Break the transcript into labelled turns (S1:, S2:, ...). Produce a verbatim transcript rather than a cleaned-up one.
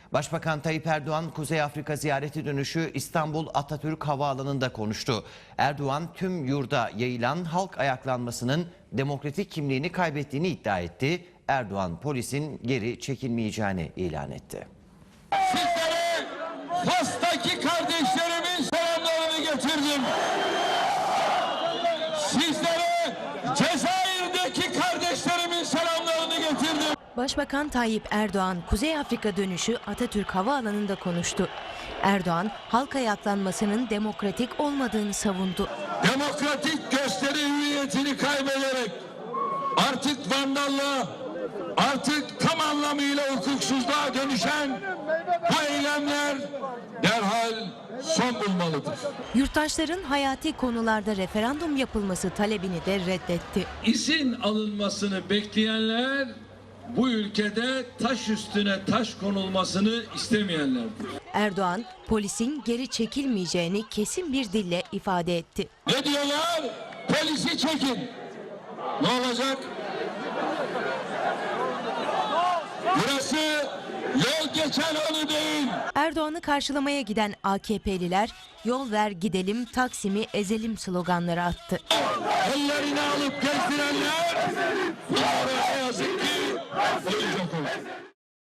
S1: Başbakan Tayyip Erdoğan, Kuzey Afrika ziyareti dönüşü İstanbul Atatürk Havaalanı'nda konuştu. Erdoğan, tüm yurda yayılan halk ayaklanmasının demokratik kimliğini kaybettiğini iddia etti. Erdoğan, polisin geri çekilmeyeceğini ilan etti.
S2: Sizlere Fas'taki kardeşlerimin selamlarını getirdim. Sizlere Cezayir'deki kardeşlerimin selamlarını getirdim.
S3: Başbakan Tayyip Erdoğan, Kuzey Afrika dönüşü Atatürk Havaalanı'nda konuştu. Erdoğan, halk ayaklanmasının demokratik olmadığını savundu.
S2: Demokratik gösteri hüviyetini kaybederek artık vandallığa, artık tam anlamıyla hukuksuzluğa dönüşen bu eylemler derhal son bulmalıdır.
S3: Yurttaşların hayati konularda referandum yapılması talebini de reddetti.
S4: İzin alınmasını bekleyenler bu ülkede taş üstüne taş konulmasını istemeyenlerdir.
S3: Erdoğan, polisin geri çekilmeyeceğini kesin bir dille ifade etti.
S2: Ne diyorlar? Polisi çekin. Ne olacak? Burası yol geçen yolu değil.
S3: Erdoğan'ı karşılamaya giden A K P'liler "Yol ver gidelim, Taksim'i ezelim" sloganları attı.
S2: Ellerini alıp gezdirenler, ne yazık ki olacak olur.